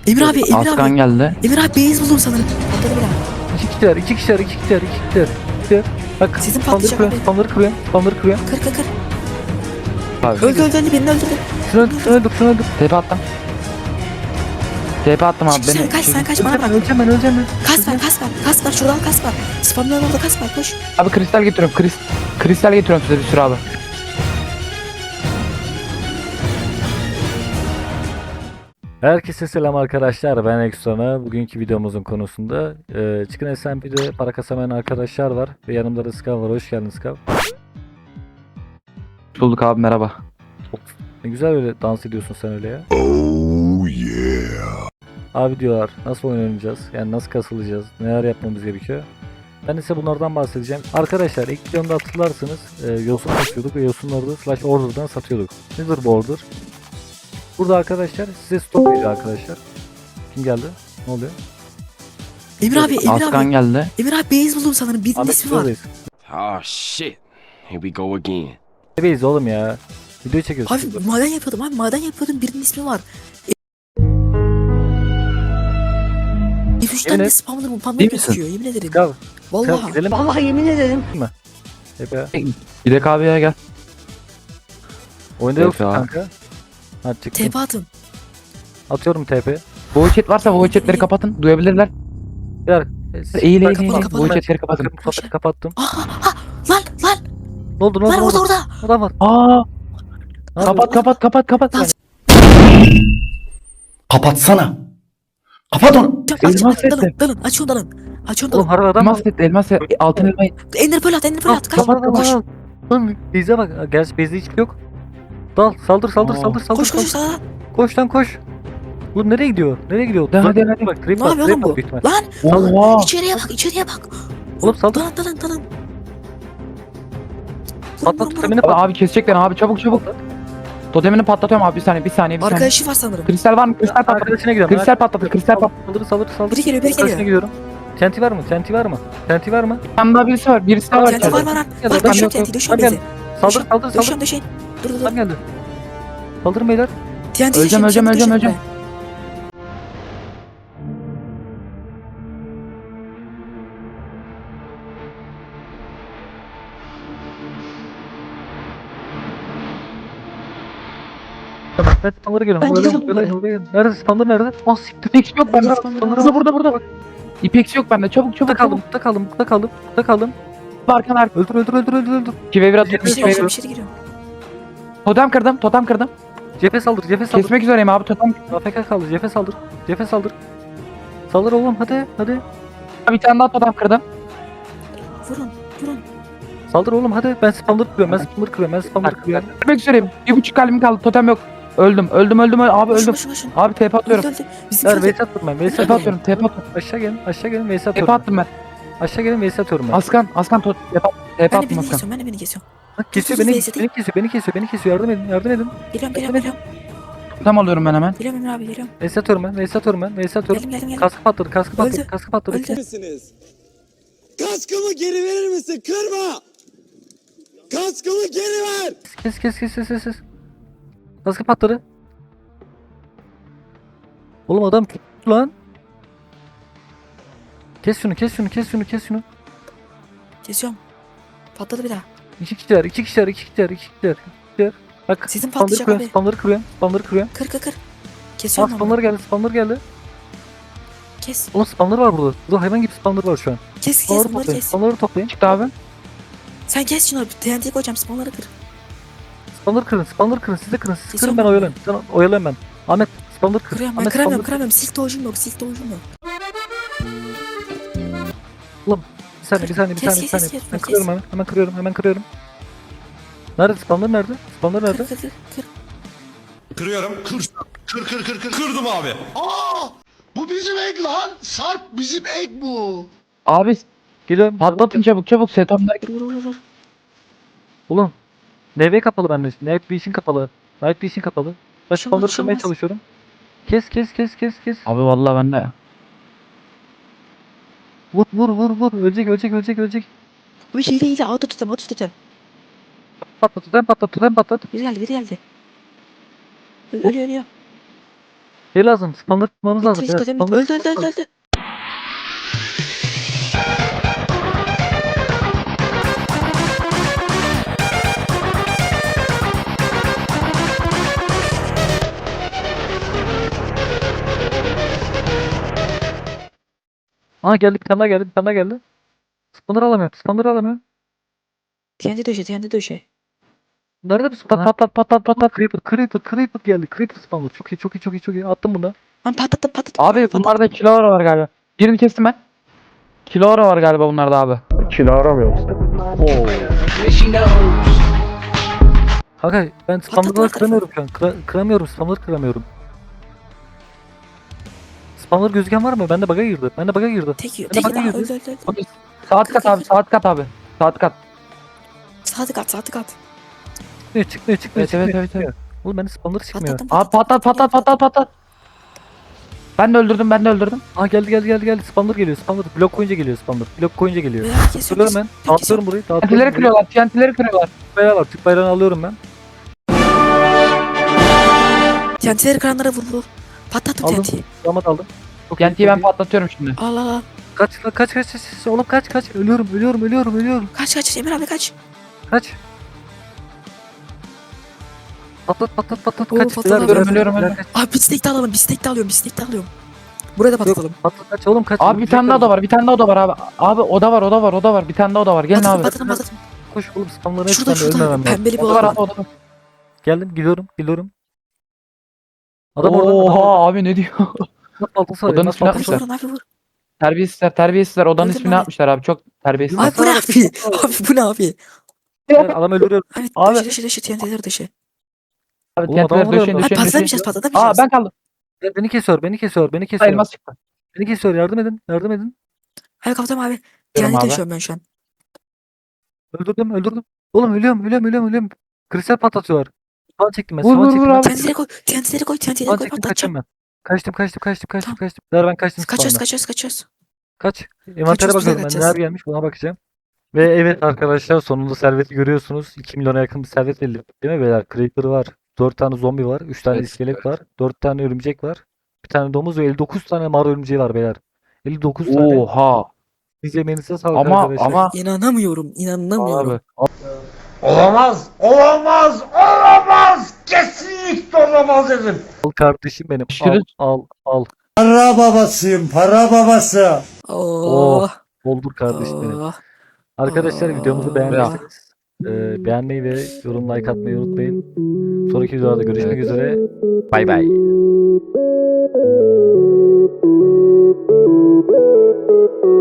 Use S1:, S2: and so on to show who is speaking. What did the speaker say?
S1: Emir abi, Emir
S2: Askan
S1: abi.
S2: geldi.
S1: Emir abi beyaz buldum sanırım. Patladı bir daha.
S3: İki kişiler. Bak
S1: Sizin patlayacak abi.
S3: spamları kırıyorum.
S1: Kır kır kır.
S2: Abi.
S1: Öldü birini öldürdü.
S3: Şunu öldür.
S2: TP attım. TP attım abi.
S1: Sen kaç sen kaç bana bırak.
S3: Öleceğim ben.
S1: Kas var şuradan kas var. Spamların orada kas var koş.
S2: Abi kristal getiriyorum. Kristal getiriyorum size bir sürü abi.
S3: Herkese selam arkadaşlar, ben Exona. Bugünkü videomuzun konusunda Chicken SMP'de para kasamayan arkadaşlar var ve yanımda da Skav var. Hoş geldin Skav.
S2: Bulduk abi, merhaba.
S3: Ne güzel öyle dans ediyorsun sen öyle ya.
S4: Oh yeah.
S3: Abi diyorlar, nasıl oyun oynayacağız, yani nasıl kasılacağız, neler yapmamız gerekiyor. Ben ise bunlardan bahsedeceğim. Arkadaşlar ilk videomda hatırlarsınız yosun satıyorduk ve yosunları da slash order'dan satıyorduk. Nedir bu order? Burada arkadaşlar size stop veriyor arkadaşlar. Kim geldi? Ne oluyor?
S1: Emir abi, Emir
S2: Askan
S1: abi.
S2: geldi.
S1: Emir abi beyaz buldum sanırım. Birinin
S3: Ahmet
S1: ismi var.
S3: buradayız.
S4: Oh shit. Here we go again.
S3: Bebeğiz oğlum ya. Video çekiyoruz.
S1: Abi maden yapıyordum birinin ismi var. F3'ten
S3: Yemin
S1: de
S3: et.
S1: spamlanır bu panda
S2: Değil misin?
S1: gözüküyor yemin ederim.
S3: Skav.
S1: Vallahi.
S3: Gidelim.
S1: Vallahi yemin ederim.
S3: Hep ya.
S2: Gidek abi ya, gel.
S3: Oyunda
S2: TP
S3: yoksun
S2: abi.
S3: kanka. Hadi çıktım.
S1: TP atın.
S3: Atıyorum TP.
S2: Voice chat varsa voice chatleri kapatın. Duyabilirler.
S3: Gel.
S2: Eğil.
S1: kapat.
S2: Voice chatleri kapatın.
S3: Kapattım.
S1: Lan
S3: Ne oldu?
S1: lan orada.
S3: Adam var.
S2: Aa!
S3: Ne yapıyor?
S2: Kapat.
S1: Lan.
S5: Kapatsana. Kapat onu.
S2: Elmas etti.
S1: Dalın aç onu dalın.
S3: Oğlum harbi adam var.
S2: Elmas set, elmas set. Altın elmayı.
S1: Ender pearl at kaç.
S3: Kapat.
S1: Koş.
S3: Lan bize bak. Gerçi bizde hiçbir yok. Dal. Saldır.
S1: Koş sağa.
S3: Koş lan koş. Oğlum nereye gidiyor?
S2: Hadi.
S3: Bak, trip
S1: Ne
S3: var,
S1: yapıyor
S3: trip
S1: lan
S3: var
S1: bu?
S3: büyük ihtimal.
S1: Lan
S2: Oha!
S1: içeriye bak.
S3: Oğlum saldır.
S1: Dalın.
S3: Patlat totemini
S2: Abi,
S3: patlat.
S2: abi kesecekler abi, çabuk. Totemini patlatıyorum abi, bir saniye.
S1: Arkadaşı var sanırım.
S2: Kristal var mı? Kristal patladı.
S3: Arkadaşına gidiyorum.
S2: Kristal patladı.
S3: Saldır.
S1: Biri geliyor.
S3: Arkadaşına gidiyorum. TNT var mı?
S2: Bir tane daha birisi var. Birisi daha var.
S1: TNT var.
S3: Gel,
S1: Var
S3: ben
S1: döşüyorum
S2: yok.
S1: TNT döşüyorum
S3: Gel.
S1: bizi.
S3: Saldır.
S1: Döşüyorum. Dur.
S3: Adam geldi. Saldırın beyler.
S1: TNT
S2: Öleceğim.
S1: döşüyorum.
S3: Ben spamlara geliyorum.
S1: Ben gidiyorum
S3: Böyle. Nerede spamlar nerede? Ah siktir.
S2: İpex yok bende. Burada. İpex yok bende. Çabuk.
S3: Burada kaldım.
S2: Arkalar.
S3: Öldür.
S2: 2v1 atıyorum.
S1: Bir şey giriyorum.
S2: Totem kırdım.
S3: Cephe saldır.
S2: Kesmek üzereyim abi, totem.
S3: AFK kaldı. Cephe saldır. Saldır oğlum hadi.
S2: Bir tane daha totem kırdım.
S1: Vurun.
S3: Saldır oğlum hadi. Ben spamları kırıyorum.
S2: Kesmek üzereyim. 1.5 kalbim kaldı. Totem yok. Öldüm. Abi öldüm.
S1: Koşun.
S2: Abi TP atıyorum.
S1: Bizim
S3: Ver
S1: köyde.
S3: Vs atıyorum ben.
S2: TP atıyorum.
S3: Aşağı gelin Vs
S2: TP
S3: atıyorum.
S2: attım ben.
S3: Aşağı gelin Vs atıyorum ben.
S2: Askan TP
S1: Ben de
S2: attım
S1: birini
S2: Askan.
S1: kesiyorum. Ben de birini kesiyorum.
S3: Bak, kesiyor
S1: Dur,
S3: beni kesiyor. Yardım edin.
S1: Geliyorum.
S2: Totem alıyorum ben hemen.
S1: Geliyorum Emir abi geliyorum.
S3: Vs atıyorum ben.
S1: Geldim.
S3: Kaskı patladı.
S1: Öldü.
S6: misiniz? Kaskımı geri verir misin? Kırma! Kaskımı geri ver!
S3: Kes. Kaskı patladı. Oğlum adam tuttu lan. Kes şunu.
S1: Kesiyorum. Patladı bir daha.
S3: İki kişiler. Bak
S1: Sizin patlayacak abi.
S3: spamları kırıyorum.
S1: Kır.
S3: Aa
S1: Kesiyorum onu.
S3: spamlar geldi.
S1: Kes.
S3: Oğlum spamlar var burada. Burada hayvan gibi spamlar var şu an.
S1: Kes bunları
S3: Spamları
S1: kes.
S3: toplayın.
S2: Çıktı abi.
S1: Sen kes şunu. TNT koyacağım spawnları kır.
S3: Spamları kırın. Siz de kırın. Siz kırın,
S1: Kesiyorum
S3: ben
S1: ben.
S3: oyalayayım. Sen oyalayın ben. Ahmet spamları kır.
S1: Kırıyorum ben
S3: Ahmet,
S1: kıramıyorum.
S3: spamları kır.
S1: Silk doğucum yok.
S3: Bir saniye.
S1: Kes,
S3: Ben
S1: kes.
S3: kırıyorum hemen kırıyorum. Nerede spamlar nerede?
S1: Kır.
S5: Kırıyorum. Kır. Kırdım abi. Aa! Bu bizim ek lan. Sarp bizim ek bu.
S2: Abi
S3: Geliyorum.
S2: patlatın çabuk. Setomda.
S1: Vur.
S3: Oğlum. NV kapalı bende. Night Vision kapalı. Ben spamları
S1: Şey
S3: kırmaya
S1: olmaz.
S3: çalışıyorum. Kes.
S2: Abi vallahi bende.
S3: Vur. Ölecek.
S1: Bu hile. Auto tutem.
S3: Patlat.
S1: Biri geldi. Ölüyor.
S3: Şey lazım. Spamları tutmamız lazım.
S1: Bitti,
S3: beyler,
S1: totem
S3: spamları
S1: bitti. Öldü.
S3: Aa geldi, bir tane daha geldi. Bir tane daha geldi. Spamları alamıyorum. Spamları alamıyorum.
S1: TNT döşe.
S3: Nerede bu spamlar? Patlat. Creeper geldi. Creeper spamlar. Çok iyi. Attım bunu.
S1: Lan patlattım.
S2: Abi bunlarda Kilaura var galiba. Birini kestim ben. Kilaura var galiba bunlarda abi.
S3: Kanka ben spamları
S1: Patlat.
S3: kıramıyorum şu an. Kıramıyorum. Spamları kıramıyorum. Spamlar gözüken var mı? Bende bug'a girdi.
S1: Tek
S3: Ben de
S1: tek
S3: bakayım
S1: daha
S3: yüzü.
S1: öldü.
S2: Abi, saat kat abi, saat kat abi. Saat kat.
S1: Saati kat.
S3: Çıkmıyor.
S2: Evet.
S3: Oğlum bende spamları çıkmıyor.
S1: Patlattım.
S2: Abi patlat. Ben de öldürdüm.
S3: Aa geldi. Spamlar geliyor. Blok koyunca geliyor spamlar. Söylüyorum ben. Dağıtıyorum burayı.
S2: TNT'leri kırıyorlar.
S3: Bayrağı var. Türk bayrağını alıyorum ben.
S1: TNT'leri kıranlara vur. Patlattım
S3: Aldım.
S1: TNT'yi.
S3: Damat aldım. Çok iyi,
S2: TNT'yi
S3: çok
S2: ben
S3: iyi.
S2: patlatıyorum şimdi.
S1: Al.
S3: Kaç lan, kaç. Oğlum kaç. Ölüyorum.
S1: Kaç Emir abi kaç.
S3: Kaç. Patlat.
S1: Oo,
S3: Kaç.
S1: patladı.
S2: Ölüyorum.
S3: Kaç.
S1: Abi bistek de alıyorum. Buraya da patlatalım.
S3: Patlat kaç oğlum kaç.
S2: Abi bir tane daha oda var abi. Abi oda var. Bir tane daha oda var. Gelin abi.
S1: Patlatalım.
S3: Koş oğlum spamların hepsinden
S1: Şurada
S3: ölmemem lazım.
S1: pembeli bir
S2: Oda var
S1: oda
S2: abi
S1: var.
S2: oda var.
S3: Geldim geliyorum. Adam orada.
S2: Oha abi ne diyor?
S3: Nasıl baltası var ya,
S2: Odanın
S3: nasıl
S2: üstüne
S3: baltası var?
S1: Vurun abi vur.
S2: Terbiyesizler. Odanın
S1: Öldüm
S2: ismini
S1: abi.
S2: atmışlar abi. Çok terbiyesiz.
S1: Abi bu ne abi? Abi bu ne abi?
S3: Adam öldürüyor.
S1: Abi
S2: Abi.
S1: dışı TNT'leri dışı.
S2: Abi
S3: Oğlum, adam
S2: TNT'leri döşeyin.
S3: vuruyor.
S1: Abi patlamayacağız.
S2: Aa ben kaldım.
S3: Beni kesiyor.
S2: Elmas çıktı.
S3: Beni kesiyor. Yardım edin.
S1: Abi kapatım abi.
S2: Diyorum
S1: TNT
S2: abi.
S1: taşıyorum ben şu an.
S3: Öldürdüm. Oğlum ölüyorum. Kristal patlatıyorlar. Spawn çektim ben.
S2: Vur,
S3: Spawn
S2: vur,
S3: çektim
S2: vur
S3: ben.
S2: abi.
S1: TNT'leri koy.
S3: Spawn çektim kaçacağım ben. Kaçtım. Ver ben kaçtım spawn'dan.
S1: Kaçıyoruz.
S3: Kaç. Envantere
S1: Kaçıyoruz,
S3: bakıyorum ben.
S1: kaçacağız.
S3: Neler gelmiş buna bakacağım. Ve evet arkadaşlar sonunda serveti görüyorsunuz. 2 milyona yakın bir servet elde ettik değil mi beyler? Creeper var. 4 tane zombi var. 3 tane
S2: Evet,
S3: iskelet var. 4 tane örümcek var. Bir tane domuz ve 59 tane mağara örümceği var beyler. 59 tane.
S2: Oha.
S3: Biz yemeğinize sağlık
S2: Ama
S3: arkadaşlar.
S1: İnanamıyorum.
S2: abi.
S5: Olamaz. Kesinlikle olamaz dedim.
S3: Al kardeşim benim.
S2: Görüşürüz.
S3: Al.
S6: Para babasıyım, para babası.
S1: Oh.
S3: Doldur kardeşim benim.
S1: Oh.
S3: Arkadaşlar videomuzu
S1: Aa.
S3: beğendiyseniz beğenmeyi ve yorum like atmayı unutmayın. Sonraki videolarda görüşmek üzere. Bay bay.